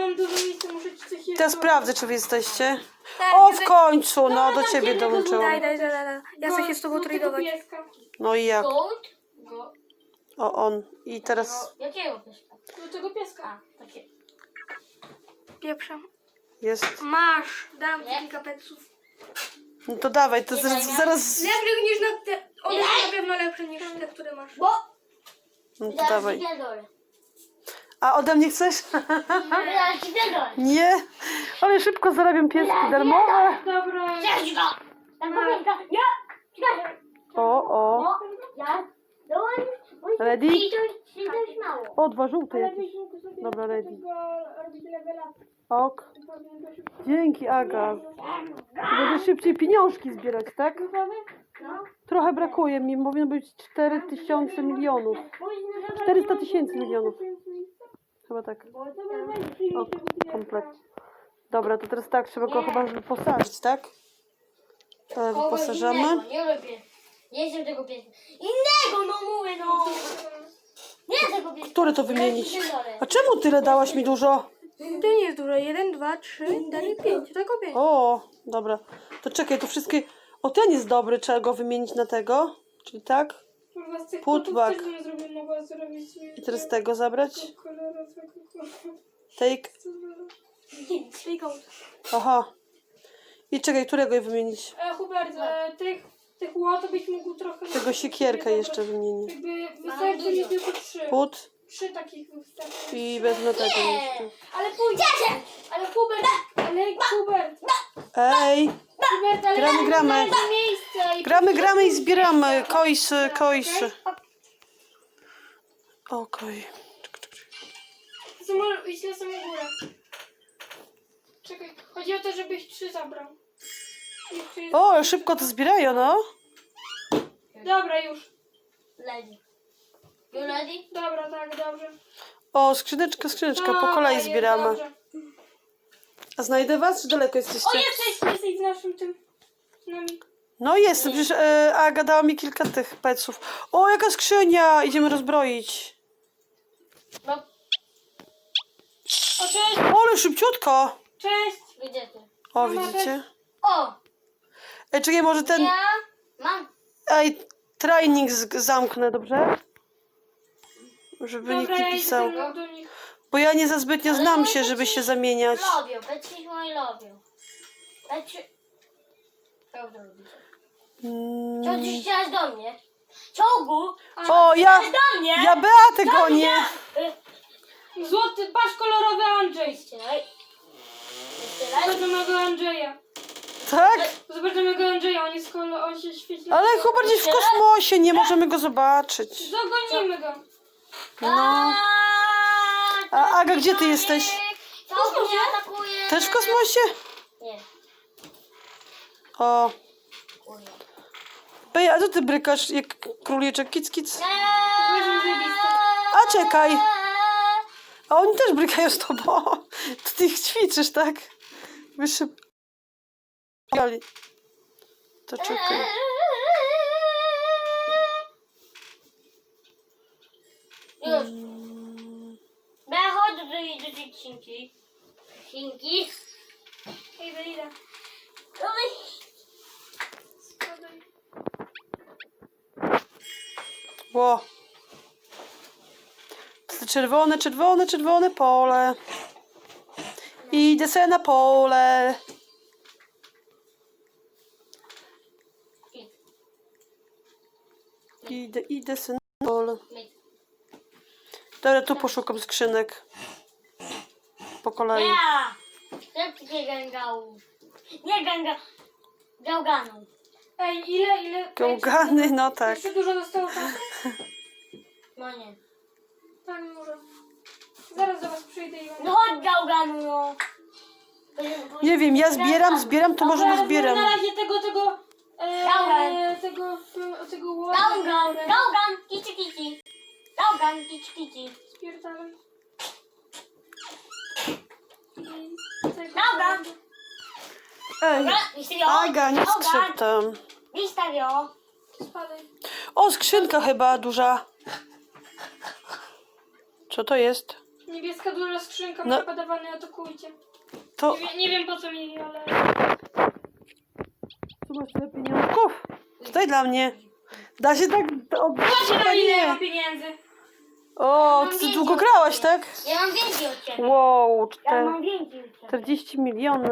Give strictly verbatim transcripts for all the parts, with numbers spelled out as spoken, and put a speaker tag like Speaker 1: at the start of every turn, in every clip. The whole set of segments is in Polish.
Speaker 1: mam dużo miejsca, muszę ci coś jeszcze...
Speaker 2: Teraz sprawdzę, czy wy jesteście.
Speaker 3: Tak,
Speaker 2: O,
Speaker 3: nie
Speaker 2: w końcu, no,
Speaker 1: Dobra,
Speaker 2: do
Speaker 1: dam
Speaker 2: ciebie
Speaker 1: jednego
Speaker 2: dołączyłam.
Speaker 3: Daj, daj, daj, daj. Ja chcę się z tobą
Speaker 1: Go- do tego
Speaker 3: tradować.
Speaker 1: pieska.
Speaker 2: No i jak?
Speaker 4: Gold? Go...
Speaker 2: O, on. I teraz
Speaker 4: No, jakiego pieska?
Speaker 1: Do tego pieska.
Speaker 4: A, takie.
Speaker 3: Pieprzam.
Speaker 2: jest.
Speaker 3: Masz, dam ci
Speaker 4: Nie.
Speaker 3: kilka peców.
Speaker 2: No to dawaj, to zaraz... zaraz...
Speaker 3: Lepszych niż na te... One są na pewno lepsze niż te, które masz.
Speaker 4: Bo...
Speaker 2: No to
Speaker 4: Zaraz ci
Speaker 2: dawaj.
Speaker 4: pierdolę.
Speaker 2: A ode mnie chcesz?
Speaker 4: Zaraz ci pierdolę.
Speaker 2: Nie. Ale szybko zarabiam pieski darmowe.
Speaker 1: Dobra.
Speaker 4: Cześć go! Tam pamiętka. Nie! Czekaj.
Speaker 2: O, o.
Speaker 4: O, ja... Dołącz.
Speaker 2: Ready?
Speaker 4: I to jest to już mało.
Speaker 2: O, dwa żółte
Speaker 1: Ale
Speaker 2: jakieś.
Speaker 1: byśmy sobie
Speaker 2: Dobra,
Speaker 1: do
Speaker 2: ready.
Speaker 1: tego robić level up.
Speaker 2: Ok.
Speaker 1: Powinien to szybko.
Speaker 2: Dzięki, Aga. Będę szybciej pieniążki zbierać, tak?
Speaker 1: Gotowy?
Speaker 4: No.
Speaker 2: Trochę brakuje mi, powinno być cztery tysiące milionów. czterysta tysięcy milionów. Chyba tak.
Speaker 1: Dobra, weź, przyjmij
Speaker 2: O,
Speaker 1: tego pieska.
Speaker 2: komplet. Dobra, to teraz tak, trzeba go chyba wyposażyć, tak? To wyposażamy.
Speaker 4: Innego, nie lubię. Nie jestem tego pieska. Innego, no mówię, no. Nie tego pieska.
Speaker 2: Które to wymienić? A czemu tyle dałaś mi dużo?
Speaker 3: To nie jest dużo. Jeden, dwa, trzy, cztery, pięć. Tylko pięć.
Speaker 2: O, dobra. To czekaj, to wszystkie... O, ten jest dobry, trzeba go wymienić na tego. Czyli tak.
Speaker 1: Kurwa, z tych
Speaker 2: Putback.
Speaker 1: kotów też bym zrobił, mogła zrobić sobie
Speaker 2: I teraz tego zabrać.
Speaker 1: kolorowego kota.
Speaker 2: Take.
Speaker 3: Tylko.
Speaker 2: Aha. I czekaj, którego wymienić?
Speaker 1: E, Hubert, e, tych, tych łot byś mógł trochę...
Speaker 2: Tego siekierkę jeszcze wymienić.
Speaker 1: Jakby wystarczy mi tylko trzy.
Speaker 2: Put
Speaker 1: Trzy takich wystarczy.
Speaker 2: i wezmę tego jeszcze.
Speaker 1: Ale pójdź! Ale Hubert, ale Hubert,
Speaker 2: Ej,
Speaker 1: Hubert, ale
Speaker 2: gramy, gramy.
Speaker 1: na miejsce i...
Speaker 2: Gramy, gramy i zbieramy. Koisy, koisy. Okej.
Speaker 1: To może iść na samą górę. Czekaj, chodzi o to, żebyś trzy zabrał. Jeszcze jest-
Speaker 2: O, szybko to zbierają, no.
Speaker 1: Dobra, już.
Speaker 4: Lady. You ready?
Speaker 1: Dobra, tak, dobrze.
Speaker 2: O, skrzyneczka, skrzyneczka, po
Speaker 1: Dobra,
Speaker 2: kolei
Speaker 1: jest
Speaker 2: zbieramy.
Speaker 1: dobrze.
Speaker 2: A znajdę was, czy daleko
Speaker 1: O,
Speaker 2: jesteście?
Speaker 1: jesteś, jesteś z naszym tym... Z nami.
Speaker 2: No jestem, przecież e, Aga dała mi kilka tych peców. O, jaka skrzynia! Idziemy rozbroić.
Speaker 4: No,
Speaker 1: O, cześć,
Speaker 2: O, ale szybciutko.
Speaker 1: cześć.
Speaker 4: gdzie ty?
Speaker 2: O, widzicie?
Speaker 4: O!
Speaker 2: Ej, czekaj, może ten...
Speaker 4: Ja mam.
Speaker 2: Ej, training z- zamknę, dobrze? Żeby nikt
Speaker 1: Dobra,
Speaker 2: nie
Speaker 1: ja
Speaker 2: pisał.
Speaker 1: idę do nich.
Speaker 2: Bo ja nie za zbytnio znam się, żeby się zamieniać.
Speaker 4: Lubię, Petsi moi lubią. Petsi... Co wy robicie?
Speaker 2: Mm.
Speaker 4: Co ty chciałaś do mnie? Czołgu!
Speaker 2: O, ja...
Speaker 4: Do mnie!
Speaker 2: Ja Beatę gonię!
Speaker 4: Y,
Speaker 1: Złoty, patrz kolorowy Andrzej.
Speaker 4: Ścielaj. Ścielaj.
Speaker 1: Zobacz na mojego Andrzeja.
Speaker 2: Tak?
Speaker 1: Zobacz na mojego Andrzeja, on jest kolor, on się świeci.
Speaker 2: Ale chyba gdzieś w kosmosie, nie możemy go zobaczyć.
Speaker 1: Zagonimy go.
Speaker 2: No. A Aga, gdzie ty jesteś?
Speaker 4: Czołg mnie atakuje!
Speaker 2: Też w kosmosie?
Speaker 4: Nie.
Speaker 2: O.
Speaker 4: Kurwa.
Speaker 2: Ej, a co ty brykasz jak króliczek kic kic?
Speaker 1: Weźmy zajebiste.
Speaker 2: A czekaj. A oni też brykają z tobą. To ty ich ćwiczysz, tak? Wyszy... To czekaj.
Speaker 4: Już. Ja chodzę do, do tej księgi. Chinki.
Speaker 1: Idę, idę.
Speaker 4: Oj.
Speaker 1: Spadaj.
Speaker 2: Ło. To czerwone, czerwone, czerwone pole. Idę sobie na pole. Idę, idę sobie na pole. Dobra, tu poszukam skrzynek. Po kolei.
Speaker 4: Ja! Szybkie gęgałów. Nie gęga... Gałganów.
Speaker 1: Ej, ile, ile?
Speaker 2: Gałgany, no tak.
Speaker 1: Jeszcze dużo zostało czasu?
Speaker 4: No nie.
Speaker 1: Tak, może. Zaraz do was przyjdę i będę...
Speaker 4: No chodź gałganu, no.
Speaker 2: Nie wiem, ja zbieram, zbieram, to może
Speaker 1: Dobra,
Speaker 2: nie zbieram.
Speaker 1: Na razie tego, tego... E,
Speaker 4: Gałgan.
Speaker 1: tego, f- tego łota.
Speaker 4: Gałgan, gałgan, kici kici. Gałgan, kici kici.
Speaker 1: Spierdalaj. I tego-
Speaker 4: Gałgan.
Speaker 2: Ej,
Speaker 4: Dobra, wystawio.
Speaker 2: Aga, nie skrzyp tam.
Speaker 4: Wystawio.
Speaker 1: Spadaj.
Speaker 2: O, skrzynka chyba duża. Co to jest?
Speaker 1: Niebieska duża skrzynka,
Speaker 2: No.
Speaker 1: no. Padawany, atakujcie.
Speaker 2: To
Speaker 1: Nie, wie, nie wiem po co mi, ale...
Speaker 2: tu masz tyle pieniążków. Tutaj dla mnie. Da się tak... O,
Speaker 1: Patrzcie na ile ja mam
Speaker 2: nie.
Speaker 1: pieniędzy.
Speaker 2: O, ty długo grałaś, tak?
Speaker 4: Ja mam więcej od ciebie.
Speaker 2: Wow,
Speaker 4: Ja
Speaker 2: czter...
Speaker 4: mam więcej od ciebie.
Speaker 2: czterdzieści miliony.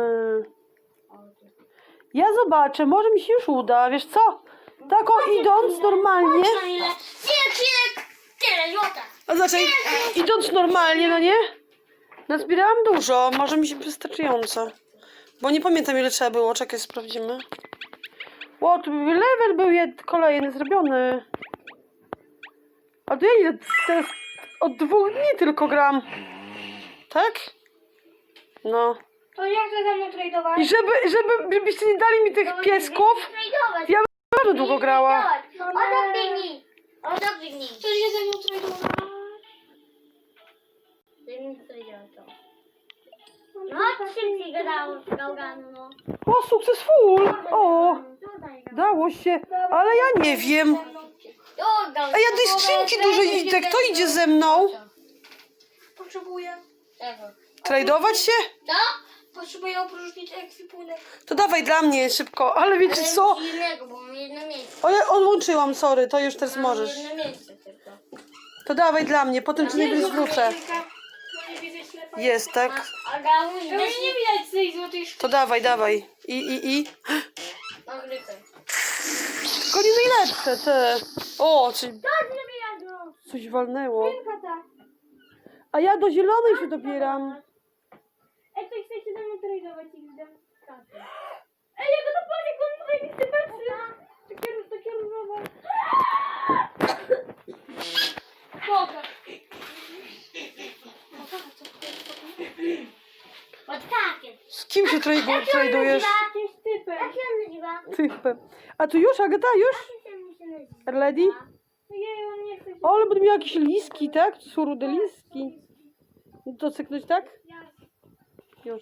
Speaker 2: Ja zobaczę, może mi się już uda, wiesz co? Tak o, idąc normalnie...
Speaker 4: Patrz na ile. Tyle ksinek, tyle złota.
Speaker 2: A znaczy, idąc normalnie, no nie? Nazbierałam dużo, może mi się wystarczająco. Bo nie pamiętam ile trzeba było, czekaj, sprawdzimy. Ło, tu level był jed, kolejny zrobiony. A to ja ile teraz od dwóch dni tylko gram. Tak? No.
Speaker 1: To jak to ze mną tradować?
Speaker 2: I żeby, żeby, żebyście nie dali mi tych piesków, ja bym bardzo długo grała.
Speaker 4: Oto biegnij. Oto biegnij.
Speaker 1: To się ze mną tradować?
Speaker 4: No, szybciej gadało z gałganu, no.
Speaker 2: O, successful! O, dało się, ale ja nie wiem. A ja tej skrzynki dużej idę, kto idzie ze mną?
Speaker 1: Potrzebuję.
Speaker 4: Tego.
Speaker 2: Tradować się?
Speaker 4: Co?
Speaker 1: Potrzebuję opróżnić ekwipunek.
Speaker 2: To dawaj dla mnie szybko, ale wiecie
Speaker 4: Ale
Speaker 2: co?
Speaker 4: musi innego, bo mam jedno miejsce.
Speaker 2: O, ja odłączyłam, sorry, to już teraz
Speaker 4: Mam
Speaker 2: możesz.
Speaker 4: jedno miejsce tylko.
Speaker 2: To dawaj dla mnie, potem ci najwyżej zwrócę.
Speaker 1: Bo nie widzę ślepa.
Speaker 2: Jest, tak?
Speaker 4: A Gałuś
Speaker 1: To już
Speaker 4: weź
Speaker 1: nie widać tej złotej sztuki.
Speaker 2: To dawaj, dawaj. I, i, i.
Speaker 4: mam grypę.
Speaker 2: Tylko nie najlepsze, te. O, czyli
Speaker 4: Co zrobiła go?
Speaker 2: coś walnęło.
Speaker 1: Kata.
Speaker 2: A ja do zielonej się dobieram.
Speaker 1: Ej, to chcecie ze mną tradować ich zdem. Ej, jak to patrz, jak on tutaj listy patrzy. Takie, takie różowe. Boga.
Speaker 4: Od takie.
Speaker 2: Z kim się tradu- tradujesz?
Speaker 1: Jakimś typem.
Speaker 4: Jak się on nazywa?
Speaker 2: Typem. A tu już, Agata, już?
Speaker 4: Jak się nazywa?
Speaker 2: Lady?
Speaker 1: Jej, on nie chce się...
Speaker 2: O, ale będę miał jakieś liski, tak? To są rude liski. To cyknąć, tak? Już.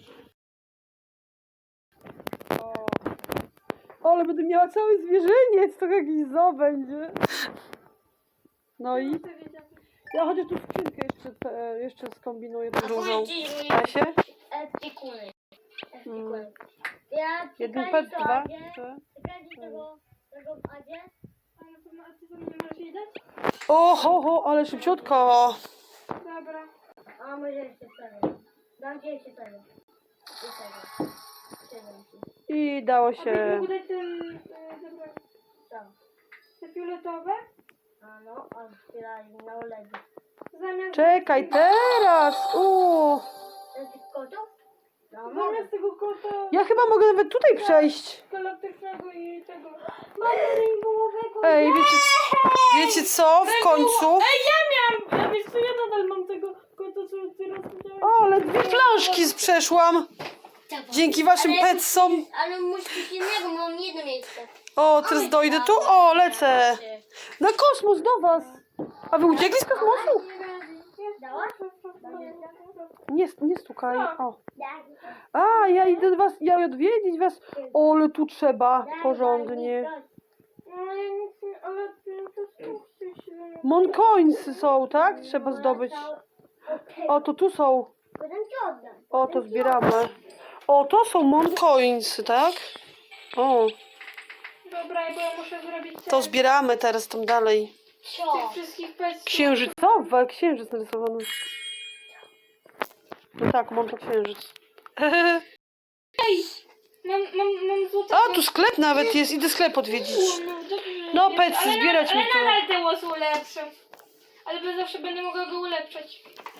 Speaker 2: O. O, ale będę miała cały zwierzyniec, to jakiś zoo będzie. No i ja chociaż tu skrzynkę jeszcze, e, jeszcze skombinuję tą różą. Da się?
Speaker 4: Epikuny.
Speaker 2: Mm.
Speaker 4: Epikuny. Ja
Speaker 2: Jeden
Speaker 4: czekaj,
Speaker 2: pet,
Speaker 4: co,
Speaker 2: dwa,
Speaker 4: Adzie?
Speaker 2: trzy.
Speaker 4: Czekaj, tego, tego w Adzie.
Speaker 1: A na pewno, a ty to nie możesz jej dać?
Speaker 2: O, ho, ho, ale szybciutko.
Speaker 1: Dobra.
Speaker 4: A może jeszcze sobie. Dam ci jeszcze sobie. I tego. Siedem ci.
Speaker 2: I dało
Speaker 1: A byś
Speaker 2: się.
Speaker 1: mógł dać ten... e, Dobra.
Speaker 4: Co?
Speaker 1: Te fioletowe?
Speaker 4: A no, otwierali na uledzy.
Speaker 1: Zamiast...
Speaker 2: Czekaj, teraz. Uuu.
Speaker 4: Tych kotów? No mogę.
Speaker 1: Zamiast tego kota
Speaker 2: Ja chyba mogę nawet tutaj przejść.
Speaker 1: galaktycznego i tego... Mamy rainbowowego.
Speaker 2: Ej, wiecie, wiecie co? W końcu.
Speaker 1: Ej, ja miałam! Ja wiesz co, ja nadal mam tego kota, co ty rozmawiałeś.
Speaker 2: O, ale dwie flaszki przeszłam. Dzięki waszym
Speaker 4: Ale-
Speaker 2: petsom.
Speaker 4: Ale muszę coś innego, bo mam jedno miejsce.
Speaker 2: O, teraz dojdę tu. O, lecę. Na kosmos do was. A wy uciekli z kosmosu?
Speaker 4: Dałaś?
Speaker 2: Nie, nie stukaj. O. A, ja idę do was, ja odwiedzić was. O, ale tu trzeba porządnie.
Speaker 1: No ja nic nie... Ale ty to chcesz się...
Speaker 2: Moncoins są, tak? Trzeba zdobyć. O, to tu są.
Speaker 4: Potem ci oddam.
Speaker 2: O, to zbieramy. O, to są moncoins, tak? O,
Speaker 1: Dobra, bo ja muszę zrobić
Speaker 2: to
Speaker 1: ten,
Speaker 2: zbieramy teraz tam dalej.
Speaker 4: Co?
Speaker 1: tych wszystkich peców.
Speaker 2: Księżycowe, księżyc narysowany. No tak, mam to księżyc.
Speaker 1: Mam, mam, mam złote...
Speaker 2: A, tu sklep nawet jest, idę sklep odwiedzić.
Speaker 1: No, dobrze,
Speaker 2: No,
Speaker 1: nie-
Speaker 2: petsy,
Speaker 1: ale
Speaker 2: zbierać
Speaker 1: nadal,
Speaker 2: mi tu.
Speaker 1: Ale nadal te łosy ulepszę. Ale bez zawsze będę mogła go ulepszać.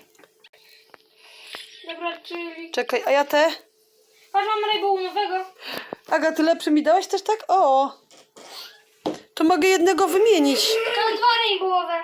Speaker 1: Dobra, czyli...
Speaker 2: Czekaj, a ja te?
Speaker 1: Patrz, mam rainbowowego.
Speaker 2: Aga, ty lepszy mi dałeś też tak? O! To mogę jednego wymienić.
Speaker 1: Mam dwa rainbowowe.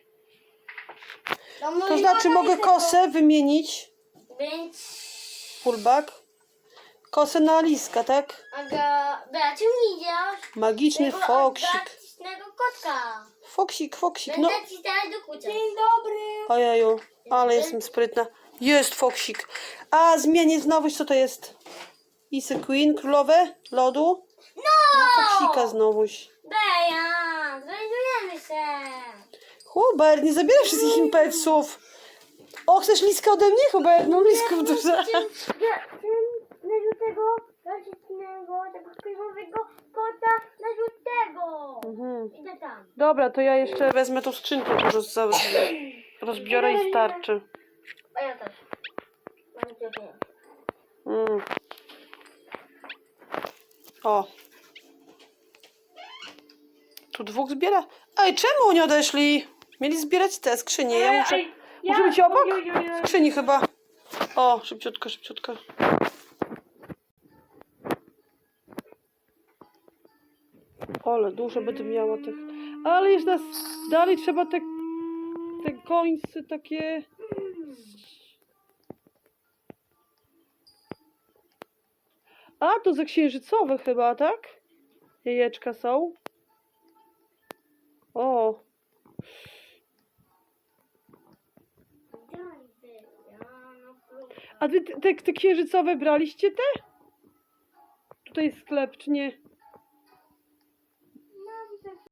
Speaker 2: To znaczy mogę kosę wymienić.
Speaker 4: Więc...
Speaker 2: Fullback. Kosę na liska, tak?
Speaker 4: Aga... Bea, czym nie idziesz?
Speaker 2: Magiczny
Speaker 4: Tego
Speaker 2: foksik.
Speaker 4: artystycznego kotka.
Speaker 2: Foksik, foksik, no.
Speaker 4: Będę ci teraz dokuczać.
Speaker 1: Dzień dobry.
Speaker 2: Ojeju, ale jestem sprytna. Jest foksik. A, zmienię znowu, co to jest? Isy Queen, królowe lodu.
Speaker 4: No!
Speaker 2: Foksika znowuś.
Speaker 4: Bea, znajdujemy się.
Speaker 2: Hubert, nie zabieraj wszystkich impetsów. O, chcesz liskę ode mnie? Chyba jedną liskę duże.
Speaker 4: Ja chciałem na żółtego, klasycznego, tego filmowego kota na żółtego.
Speaker 2: Mhm.
Speaker 4: Idę tam.
Speaker 2: Dobra, to ja jeszcze wezmę tą skrzynkę, dużo za- rozbiorę i starczy.
Speaker 4: A ja też. Mam ciebie.
Speaker 2: Mm. O. Tu dwóch zbiera. Ej, czemu oni odeszli? Mieli zbierać te skrzynie. Ja muszę...
Speaker 1: Ej,
Speaker 2: Muszę być obok?
Speaker 1: oj, oj, oj, oj.
Speaker 2: Skrzyni chyba. O, szybciutko, szybciutko. Ale dużo będę miała tych. Ale jest nas dalej trzeba te, te końce takie. A, to za księżycowe chyba, tak? Jajeczka są. O, a wy te, te, te księżycowe braliście te? Tutaj jest sklep, czy nie?